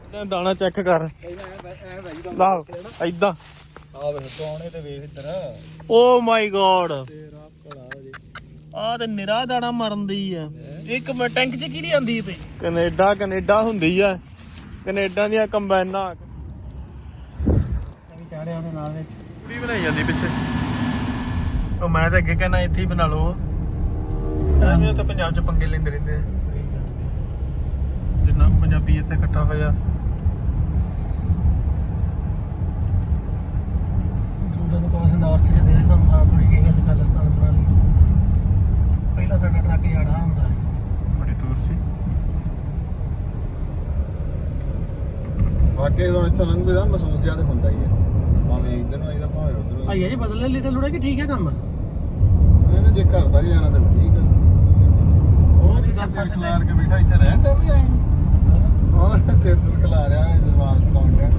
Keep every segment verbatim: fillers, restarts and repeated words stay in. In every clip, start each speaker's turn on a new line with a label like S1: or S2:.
S1: ਦਾਣਾ ਚੈੱਕ ਕਰ ਲਾ ਏਦਾਂ
S2: ਆ ਵੇਖ ਸੋਨੇ ਤੇ ਵੇਖ ਇੱਧਰ
S1: ਓ ਮਾਈ ਗॉड
S2: ਤੇਰਾ ਭਲਾ ਹੋ ਜੇ
S1: ਆ ਤੇ ਨਿਰਾ ਦਾਣਾ ਮਰਨ ਦੀ ਆ ਇੱਕ ਮਿੰਟ ਟੈਂਕ ਚ ਕਿਹੜੀ ਆਂਦੀ ਪਈ ਕੈਨੇਡਾ ਕੈਨੇਡਾ ਹੁੰਦੀ ਆ ਕੈਨੇਡਾ ਦੀਆਂ ਕੰਬਾਈਨਾਂ
S2: ਵੀ ਚਾੜਿਆ ਉਹਦੇ ਨਾਲ ਵਿੱਚ
S1: ਪੂਰੀ ਬਣਾਈ ਜਾਂਦੀ ਪਿੱਛੇ ਉਹ ਮੈਂ ਤਾਂ ਅੱਗੇ ਕਹਿੰਦਾ ਇੱਥੇ ਹੀ ਬਣਾ ਲਓ ਐਵੇਂ ਤਾਂ ਪੰਜਾਬ ਚ ਪੰਗੇ ਲੈਂਦੇ ਰਹਿੰਦੇ ਆ ਜਿੰਨਾ ਪੰਜਾਬੀ ਇੱਥੇ ਇਕੱਠਾ ਹੋਇਆ
S2: ਉਹਨਾਂ ਨੂੰ ਕੋਸ ਇੰਦੌਰ ਚ ਜਦੇ ਸਮਝਾ ਥੋੜੀ ਜਿਹੀ ਗੱਲ ਖਾਲਿਸਤਾਨ ਬਣਾ ਲਈ ਪਹਿਲਾਂ ਸਾਡਾ ਟਰੱਕ ਜਾੜਾ ਹੁੰਦਾ
S1: ਬੜੀ ਦੂਰ ਸੀ
S3: ਵਾਕਈ ਜਦੋਂ ਇੱਥੋਂ ਲੰਘਦੇ ਦਾ ਮਹਿਸੂਸ ਜਿਆਦਾ ਹੁੰਦਾ ਹੀ ਹੈ ਭਾਵੇਂ ਇੱਧਰ ਨੂੰ ਆਈਦਾ ਭਾਵੇਂ ਉੱਧਰ ਨੂੰ
S2: ਭਾਈਆ ਜੀ ਬਦਲ ਲੈ ਲਿਟਲ ਲੁੜਾ ਕਿ ਠੀਕ ਹੈ ਕੰਮ
S3: ਇਹਨੇ ਜੇ ਘਰ ਦਾ ਹੀ ਜਾਣਾ ਤਾਂ ਠੀਕ ਹੈ
S2: ਉਹ ਨਹੀਂ
S3: ਸਿਰ ਖਲਾਰ ਕੇ ਬੈਠਾ ਇੱਥੇ ਰਹਿਣ ਤਾਂ ਵੀ ਆਏ ਉਹ ਸਿਰ ਸੁਰ ਖਲਾ ਰਿਹਾ ਹੈ ਜ਼ਬਾਨ ਸਕਾਉਣ ਡਿਆ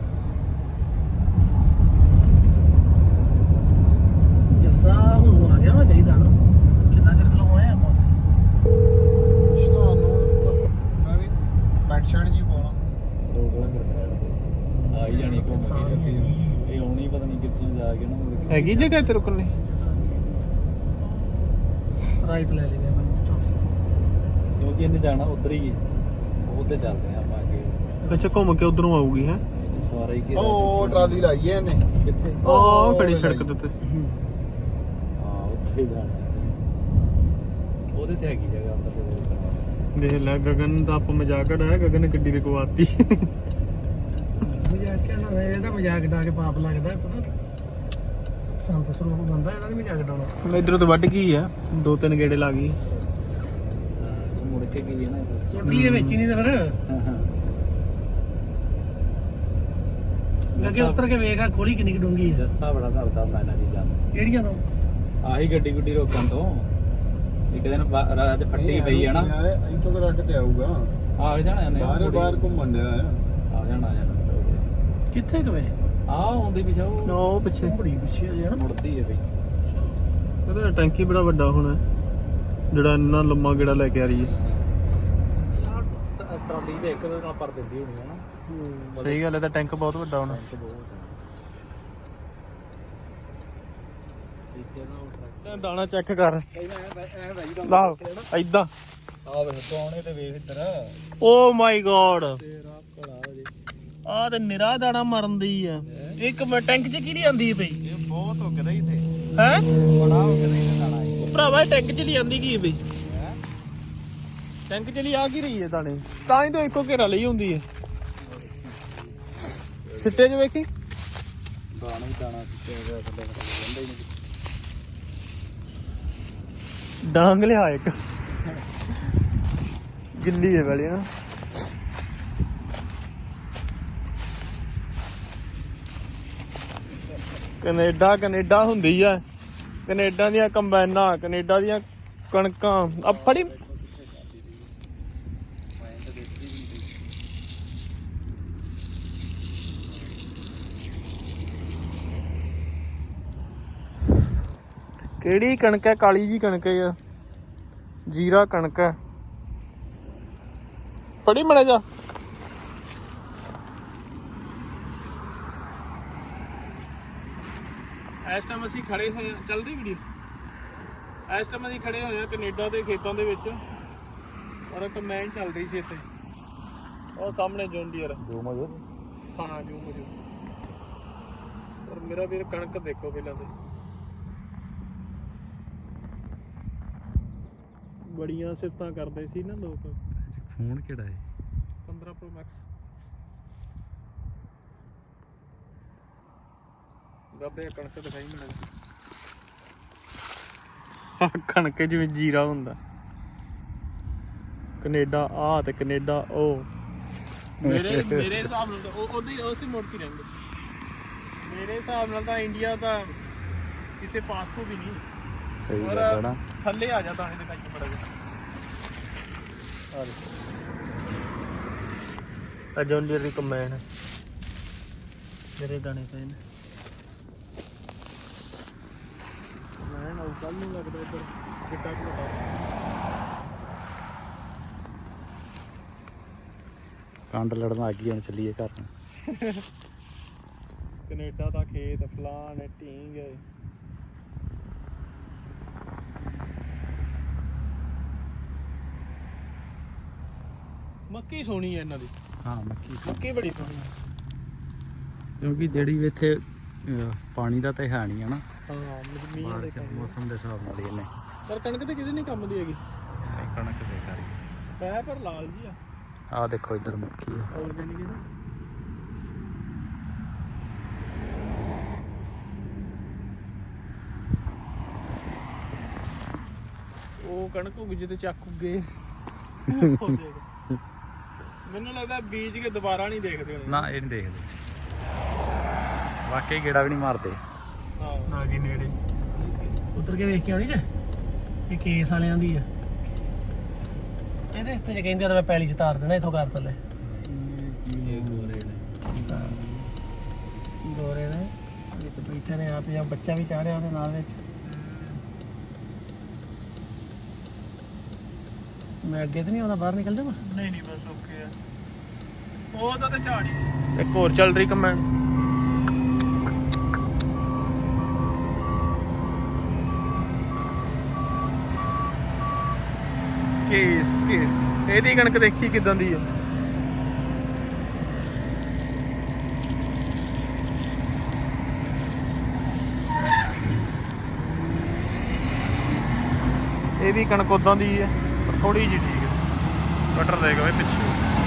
S2: ਜੱਸਾ ਹੁਣ ਆ ਗਿਆ ਨਾ ਚਾਹੀਦਾ ਨਾ ਕਿੰਨਾ ਚਿਰ ਕੋਲ ਆਇਆ ਆਪਾਂ ਉੱਥੇ
S3: ਸ਼ਾਨ ਨੂੰ ਮੈਂ ਵੀ ਪੈਂਟ ਸ਼ਰਟ ਜੀ ਪਾਉਣਾ
S2: ਰੋਕ ਲਾਂ ਫਿਰ
S4: ਆ ਹੀ ਜਾਣੀ ਘੁੰਮ ਕੇ ਜੱਤੀ ਇਹ ਆਉਣੀ ਪਤਾ ਨਹੀਂ ਕਿੱਥੋਂ ਜਾ ਕੇ ਨਾ
S1: ਹੈਗੀ ਜਗ੍ਹਾ ਇੱਥੇ ਰੁਕਣ ਲਈ
S2: ਰਾਈਟ ਲੈ ਲੈਨੇ ਆਪਾਂ ਸਟਾਪ ਸੇ
S4: ਕਿਉਂਕਿ ਇਹਨੇ ਜਾਣਾ ਉਧਰ ਹੀ ਹੈ ਉਹ ਤੇ ਚੱਲਦੇ ਆ ਆਪਾਂ ਅੱਗੇ
S1: ਅੱਛਾ ਘੁੰਮ ਕੇ ਉਧਰੋਂ ਆਊਗੀ ਹੈ
S4: ਸਵਾਰਾ ਹੀ ਕਿ
S3: ਉਹ ਟਰਾਲੀ ਲਾਈ ਹੈ ਇਹਨੇ
S4: ਕਿੱਥੇ
S1: ਉਹ ਖੜੀ ਸੜਕ ਦੇ ਉੱਤੇ
S4: ਹਾਂ ਉੱਥੇ ਜਾਣਾ ਉਹਦੇ ਤੇ ਹੈਗੀ ਜਗ੍ਹਾ ਉੱਧਰ
S1: ਦੇਖ ਲੈ ਗਗਨ ਦਾ ਆਪ ਮਜ਼ਾਕ ਉਡਾਇਆ ਗਗਨ ਨੇ ਗੱਡੀ ਰੁਕਵਾਤੀ
S2: ਮਜ਼ਾਕ ਕਹਿਣਾ ਇਹਦਾ ਮਜ਼ਾਕ ਡਾ ਕੇ ਪਾਪ ਲੱਗਦਾ ਪਤਾ ਸੰਤ ਸਰੂਪ ਬੰਦਾ ਇਹਦਾ ਨਹੀਂ ਮਜ਼ਾਕ ਡਾਉਣਾ
S1: ਹੁਣ ਇਧਰੋਂ ਤਾਂ ਵੱਢ ਗਈ ਆ ਦੋ ਤਿੰਨ ਗੇੜੇ ਲਾ ਗਈ
S4: ਉਹ ਮੁੜ ਕੇ ਗਈ ਨਾ
S2: ਸੁੱਟ ਲਈਏ ਵਿੱਚ ਹੀ ਨਹੀਂ ਤਾਂ ਫਿਰ ਅੱਗੇ ਉੱਤਰ ਕੇ ਵੇਖ ਆ ਖੋਲੀ ਕਿੰਨੀ ਡੂੰਗੀ ਹੈ
S4: ਜੱਸਾ ਬੜਾ ਕਰਦਾ ਹੁੰਦਾ ਇਹਨਾਂ ਚੀਜ਼ਾਂ
S2: ਕਿਹੜੀਆਂ ਤੋਂ
S4: ਆਹੀ ਗੱਡੀ ਗੁੱਡੀ ਰੋਕਣ ਤੋਂ ਇੱਕ ਦਿਨ ਰਾਤ ਫੱਟੀ ਪਈ ਹੈ ਨਾ
S3: ਇੱਥੋਂ ਤੱਕ ਤੇ ਆਊਗਾ
S4: ਆ ਜਾਣਾ ਇਹਨੇ
S3: ਬਾਹਰ ਬਾਹਰ ਘੁੰਮਣ ਡਿਆ ਆ
S4: ਆ ਜਾਣਾ ਆ ਜਾਣਾ
S2: ਕਿੱਥੇ ਕਵੇ
S4: ਆ ਆਉਂਦੀ ਪਿਛਾ ਉਹ
S1: ਉਹ ਪਿੱਛੇ
S2: ਬੜੀ ਪਿੱਛੇ ਆ ਯਾਰ
S4: ਮੁੜਦੀ ਹੈ ਬਈ
S1: ਇਹਦਾ ਟੈਂਕੀ ਬੜਾ ਵੱਡਾ ਹੋਣਾ ਜਿਹੜਾ ਇੰਨਾ ਲੰਮਾ ਗੇੜਾ ਲੈ ਕੇ ਆ ਰਹੀ ਹੈ
S4: ਟਰਾਲੀ ਦੇ ਇੱਕ ਨਾਲ ਪਰ ਦਿੰਦੀ ਹੋਣੀ ਹੈ ਨਾ
S1: ਸਹੀ ਗੱਲ ਹੈ ਤਾਂ ਟੈਂਕ ਬਹੁਤ ਵੱਡਾ ਹੋਣਾ ਦਾਣਾ ਚੈੱਕ ਕਰ ਲਾ ਏਦਾਂ
S2: ਆ ਵੇਖ ਸੋਨੇ ਤੇ ਵੇਖ ਇੱਧਰ
S1: ਓ ਮਾਈ ਗॉड
S2: ਤੇਰਾ ਭਲਾ ਹੋ ਜੇ
S1: ਆ ਤੇ ਨਿਰਾ ਦਾਣਾ ਮਰਨ ਦੀ ਆ ਇੱਕ ਮਿੰਟ ਟੈਂਕ ਚ ਕਿਹੜੀ ਆਂਦੀ ਪਈ
S4: ਇਹ ਬਹੁਤ ਹੋ ਗਿਆ ਇੱਥੇ
S1: ਹੈ
S4: ਬੜਾ ਹੋ ਗਿਆ ਇੱਥੇ ਦਾਣਾ ਇਹ
S1: ਭਰਾਵਾ ਟੈਂਕ ਚ ਲਈ ਆਂਦੀ ਕੀ ਬਈ ਟੈਂਕ ਚ ਲਈ ਆ ਕੀ ਰਹੀ ਹੈ ਦਾਣੇ ਤਾਂ ਹੀ ਤਾਂ ਇੱਕੋ ਘੇਰਾ ਲਈ ਹੁੰਦੀ ਹੈ ਸਿੱਟੇ ਚ ਵੇਖੀ
S4: ਦਾਣਾ ਹੀ ਦਾਣਾ ਕਿੱਥੇ ਗਿਆ ਥੱਲੇ ਰਹਿੰਦਾ ਹੀ ਨਹੀਂ
S1: ਡਾਂਗ ਲਿਆ ਇੱਕ ਗਿੱਲੀ ਹੈ ਵਾਲੀ ਨਾ ਕੈਨੇਡਾ ਕੈਨੇਡਾ ਹੁੰਦੀ ਆ ਕੈਨੇਡਾ ਦੀਆਂ ਕੰਬਾਈਨਾਂ ਕੈਨੇਡਾ ਦੀਆਂ ਕਣਕਾਂ ਆ ਫੜੀ ਕਿਹੜੀ ਕਣਕ ਹੈ ਕਾਲੀ ਜੀ ਕਣਕ ਹੈ ਜੀਰਾ ਕਣਕ ਹੈ ਫੜੀ ਮੜਾ ਜਾ ਇਸ ਟਾਈਮ ਅਸੀਂ ਖੜੇ ਹੋਏ ਆ ਚੱਲ ਰਹੀ ਵੀਡੀਓ ਇਸ ਟਾਈਮ ਅਸੀਂ ਖੜੇ ਹੋਏ ਆ ਕੈਨੇਡਾ ਦੇ ਖੇਤਾਂ ਦੇ ਵਿੱਚ ਔਰ ਕੰਬਾਈਨ ਚੱਲ ਰਹੀ ਸੀ ਇੱਥੇ ਉਹ ਸਾਹਮਣੇ ਜੌਨ ਡੀਅਰ
S4: ਜੋ ਮਜੋ
S1: ਹਾਂ ਜੋ ਮਜੋ ਔਰ ਮੇਰਾ ਵੀਰ ਕਣਕ ਦੇਖੋ ਪਹਿਲਾਂ ਤੇ ਬੜੀਆਂ ਸਿਫਤਾਂ ਕਰਦੇ ਸੀ ਨਾ ਲੋਕ
S4: ਫੋਨ ਕਿਹੜਾ ਹੈ
S1: ਪੰਦਰਾਂ ਪ੍ਰੋ ਮੈਕਸ ਗੱਬੇ ਕਣਕ ਦਿਖਾਈ ਮੈਨੂੰ ਕਣਕ ਜਿਵੇਂ ਜੀਰਾ ਹੁੰਦਾ ਕੈਨੇਡਾ ਆ ਤੇ ਕੈਨੇਡਾ ਉਹ ਮੇਰੇ ਮੇਰੇ ਹਿਸਾਬ ਨਾਲ ਤਾਂ ਉਹ ਉਹਦੀ ਉਸੇ ਮੋੜ 'ਚ ਰਹਿੰਦੇ ਮੇਰੇ ਹਿਸਾਬ ਨਾਲ ਤਾਂ ਇੰਡੀਆ ਦਾ ਕਿਸੇ ਪਾਸ ਤੋਂ ਵੀ ਨਹੀਂ
S4: ਸਹੀ
S1: ਔਰ
S4: ਗੱਲ ਹੈ ਨਾ
S1: ਥੱਲੇ ਆ ਜਾ ਦਾਣੇ ਦਿਖਾਈ ਬੜਾ ਜਿਹਾ ਆ ਜੌਨ ਡੀਅਰ ਦੀ ਕੰਬਾਈਨ ਜਿਹੜੇ ਦਾਣੇ ਪਏ ਨੇ ਮੈਂ ਨਾ ਕੱਲ ਨੂੰ ਲੱਗਦਾ ਇੱਧਰ ਕਿੱਟਾ ਘਟਾ
S4: ਕੰਡ ਲੜਨ ਆ ਗਈ ਹੁਣ ਚੱਲੀਏ ਘਰ ਨੂੰ।
S1: ਕੈਨੇਡਾ ਦਾ ਖੇਤ ਫਲਾਣ ਢੀਂਗ ਮੱਕੀ ਸੋਹਣੀ ਹੈ ਇਹਨਾਂ ਦੀ।
S4: ਹਾਂ ਮੱਕੀ
S1: ਮੱਕੀ ਬੜੀ ਸੋਹਣੀ ਹੈ।
S4: ਕਿਉਂਕਿ ਜਿਹੜੀ ਵੀ ਇੱਥੇ ਅਹ, ਪਾਣੀ ਦਾ ਤਾਂ ਹੈ ਨਹੀਂ ਹੈ ਨਾ,
S1: ਹਾਂ ਮੀਂਹ ਦੇ
S4: ਬਾਰਿਸ਼
S1: ਕਾਰਨ।
S4: ਮੌਸਮ ਦੇ ਹਿਸਾਬ ਨਾਲ ਹੀ ਇਹਨੇ
S1: ਪਰ ਕਣਕ ਤੇ ਕਿਤੇ ਨਹੀਂ ਕੰਮ ਦੀ ਹੈਗੀ
S4: ਇਹ ਕਣਕ ਦੇ ਕਰੀ।
S1: ਪੈ ਪਰ ਲਾਲ ਜੀ ਆ
S4: ਆਹ ਦੇਖੋ ਇੱਧਰ ਮੱਕੀ ਆ।
S1: ਆਰਗੈਨਿਕ ਹੈ ਨਾ। ਉਹ ਕਣਕ ਉੱਗ ਜੇ ਤੇ ਚੱਕ ਉੱਗੇ ਮੈਨੂੰ ਲੱਗਦਾ ਬੀਜ ਕੇ ਦੁਬਾਰਾ ਨਹੀਂ ਦੇਖਦੇ ਹੋਣੇ।
S4: ਨਾ ਇਹ ਨਹੀਂ ਦੇਖਦੇ, ਵਾਕਈ ਗੇੜਾ ਵੀ ਨਹੀਂ ਮਾਰਦੇ।
S1: ਹਾਂ ਆ ਗਈ ਨੇੜੇ।
S2: ਉਤਰ ਕੇ ਵੇਖ ਕੇ ਆਉਣੀ ਜੇ ਇਹ ਕੇਸ ਵਾਲਿਆਂ ਦੀ ਆ। ਇਹਦੇ ਇਸਤੇ ਜੇ ਕਹਿੰਦੇ ਆ ਤਾਂ ਮੈਂ ਪੈਲੀ ਚ ਤਾਰ ਦੇਣਾ ਇਥੋਂ ਕਰ ਥੱਲੇ। ਗੋਰੇ ਨੇ ਵਿੱਚ ਬੈਠੇ ਨੇ ਆਪ ਜਾਂ ਬੱਚਾ ਵੀ ਚਾੜਿਆ ਉਹਦੇ ਨਾਲ ਵਿੱਚ। ਮੈਂ ਅੱਗੇ ਤੇ ਨਹੀਂ ਆਉਂਦਾ, ਬਾਹਰ ਨਿਕਲ ਜਾਵਾਂ।
S1: ਨਹੀਂ ਨਹੀਂ ਬਸ ਓਕੇ ਆ। ਉਹਦਾ ਤੇ ਝਾੜੀ ਇੱਕ ਹੋਰ ਚੱਲ ਰਹੀ ਕਮੈਂਡ। ਕੇਸ ਕੇਸ ਇਹਦੀ ਕਣਕ ਦੇਖੀ ਕਿਦਾਂ ਦੀ ਹੈ। ਇਹ ਵੀ ਕਣਕ ਉਦਾਂ ਦੀ ਹੈ ਪਰ ਥੋੜੀ ਜਿਹੀ ਠੀਕ ਹੈ। ਕਟਰ ਦੇਖ ਵੇ ਪਿੱਛੇ।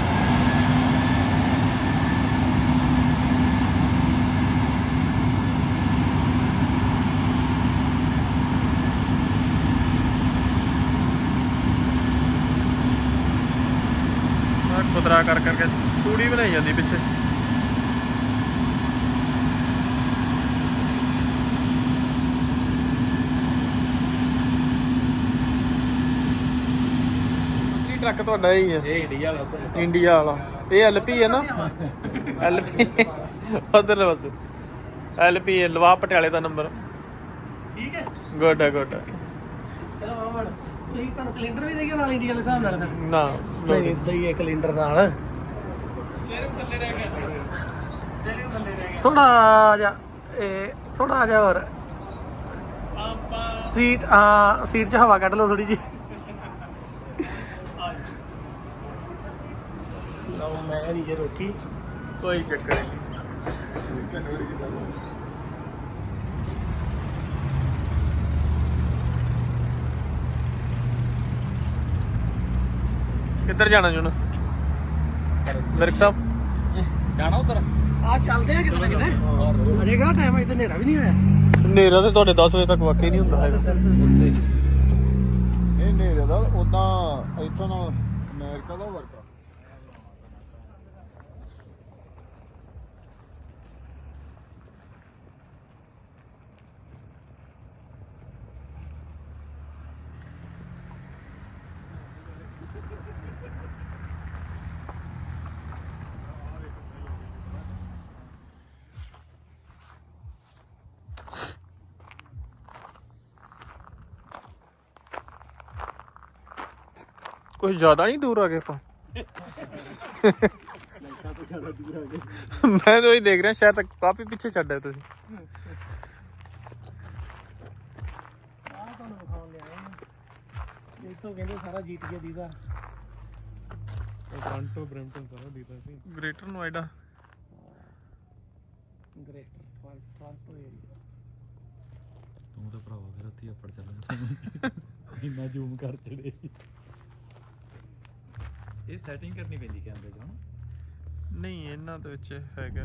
S1: ਕੁਦਰਾ ਕਰ ਕਰਕੇ ਤੂੜੀ ਬਣਾਈ ਜਾਂਦੀ ਪਿੱਛੇ। ਅਸਲੀ ਟਰੱਕ ਤੁਹਾਡਾ ਹੀ ਹੈ।
S4: ਇਹ ਇੰਡੀਆ ਵਾਲਾ ਉੱਧਰ
S1: ਇੰਡੀਆ ਵਾਲਾ ਇਹ ਐਲਪੀ ਹੈ ਨਾ। ਐਲਪੀ ਉਧਰ ਬਸ ਐਲਪੀ ਲਵਾ ਪਟਿਆਲੇ ਦਾ ਨੰਬਰ।
S2: ਠੀਕ ਹੈ
S1: ਗੁੱਡ ਹੈ ਗੁੱਡ ਹੈ।
S2: ਚਲੋ ਆਵਣ ਤੁਸੀਂ ਤੁਹਾਨੂੰ ਕੈਲੰਡਰ ਵੀ ਦੇਈਏ ਨਾਲ ਇੰਡੀਆ ਦੇ ਹਿਸਾਬ ਨਾਲ ਤਾਂ
S1: ਨਾ
S2: ਨਹੀਂ ਇਦਾਂ ਹੀ ਹੈ ਕੈਲੰਡਰ ਨਾਲ।
S1: ਸਟੀਅਰਿੰਗ ਥੱਲੇ ਰਹਿ ਗਿਆ ਸਟੀਅਰਿੰਗ ਥੱਲੇ ਰਹਿ ਗਿਆ।
S2: ਥੋੜਾ ਜਿਹਾ ਇਹ ਥੋੜਾ ਜਿਹਾ ਹੋਰ
S1: ਆਪਾਂ
S2: ਸੀਟ ਹਾਂ ਸੀਟ 'ਚ ਹਵਾ ਕੱਢ ਲਓ ਥੋੜੀ ਜੀ। ਲਓ ਮੈਂ ਨਹੀਂ ਜੇ ਰੋਕੀ।
S1: ਕੋਈ ਚੱਕਰ ਨਹੀਂ। ਕਿੱਧਰ ਜਾਣਾ ਜੁਨ ਮਿਰਕ ਸਾਹਿਬ?
S4: ਜਾਣਾ ਉੱਧਰ।
S2: ਆ ਚੱਲਦੇ ਆ ਕਿਤੇ ਨਾ ਕਿਤੇ। ਅਜੇ ਕਿਹੜਾ ਟਾਈਮ ਹੈ, ਇੱਥੇ ਹਨੇਰਾ ਵੀ ਨਹੀਂ ਹੋਇਆ।
S1: ਹਨੇਰਾ ਤੇ ਤੁਹਾਡੇ ਦਸ ਵਜੇ ਤੱਕ ਵਾਕਈ ਨਹੀਂ ਹੁੰਦਾ ਹੈਗਾ।
S3: ਇਹ ਨੇਰੇ ਦਾ ਉਦਾਂ ਇੱਥੋਂ ਨਾਲ ਅਮਰੀਕਾ ਦਾ ਵਰਕਾ।
S1: ਕੁਝ ਜ਼ਿਆਦਾ ਨਹੀਂ ਦੂਰ ਆ ਗਏ ਆਪਾਂ। ਮੈਂ ਤਾਂ ਉਹੀ ਦੇਖ ਰਿਹਾ ਸ਼ਾਇਦ ਤੱਕ ਕਾਫੀ ਪਿੱਛੇ ਛੱਡਿਆ ਤੁਸੀਂ।
S2: ਆਹ ਤੁਹਾਨੂੰ ਵਿਖਾਉਣ ਲਿਆ ਇੱਥੋਂ ਕਹਿੰਦੇ ਸਾਰਾ ਜੀਤ ਗਿਆ ਦੀਦਾ।
S1: ਟੋਰਾਂਟੋ ਬਰੈਂਪਟਨ ਸਾਰਾ ਦੀਦਾ ਸੀ। Greater Noida
S2: Greater Toronto area.
S4: ਤੂੰ ਤਾਂ ਭਰਾਵਾ ਫਿਰ ਉੱਥੇ ਅੱਪੜ ਚੱਲ ਇੰਨਾ ਜ਼ੂਮ ਕਰ ਚੜੇ। ਇਹ ਸੈਟਿੰਗ ਕਰਨੀ ਪੈਂਦੀ ਕੈਮਰੇ 'ਚ ਹਨਾ।
S1: ਨਹੀਂ ਇਹਨਾਂ ਦੇ ਵਿੱਚ ਹੈਗਾ।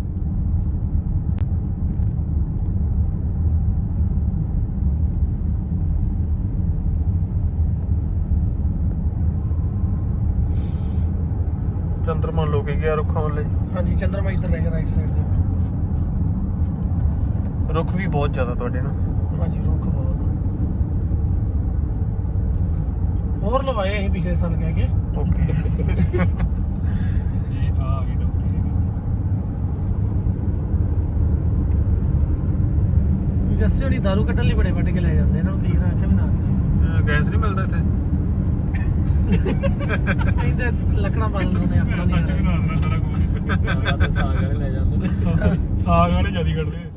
S1: ਚੰਦਰਮਾ ਲੋਕ ਗਿਆ ਰੁੱਖਾਂ ਵੱਲੇ।
S2: ਹਾਂਜੀ ਚੰਦਰਮਾ ਇੱਧਰ ਰਹਿ ਗਿਆ ਰਾਈਟ ਸਾਈਡ ਤੇ।
S1: ਰੁੱਖ ਵੀ ਬਹੁਤ ਜ਼ਿਆਦਾ ਤੁਹਾਡੇ ਨਾ।
S2: ਹਾਂਜੀ ਰੁੱਖ ਬਹੁਤ ਹੋਰ ਲਵਾਏ ਅਸੀਂ ਪਿਛਲੇ ਸਾਲ ਕਹਿ ਕੇ।
S1: ਓਕੇ
S4: ਇਹ ਆ ਗਈ
S2: ਜੱਸੇ ਹੋਣੀ ਦਾਰੂ ਕੱਢਣ ਲਈ ਬੜੇ ਵੱਢ ਕੇ ਲੈ ਜਾਂਦੇ ਇਹਨਾਂ ਨੂੰ ਕਈ ਵਾਰ ਆਖਿਆ ਵੀ ਨਾ ਕਰਿਓ।
S1: ਗੈਸ ਨਹੀਂ ਮਿਲਦਾ ਇੱਥੇ।
S2: ਅਸੀਂ ਤੇ ਲੱਕੜਾਂ ਬਾਲ ਲੈਂਦੇ ਆਪਣਾ ਨਹੀਂ ਸਾਗ ਵਾਲੇ ਲੈ ਜਾਂਦੇ ਨੇ
S4: ਸਾਗ ਵਾਲੇ ਜਿਆਦੀ ਕੱਢਦੇ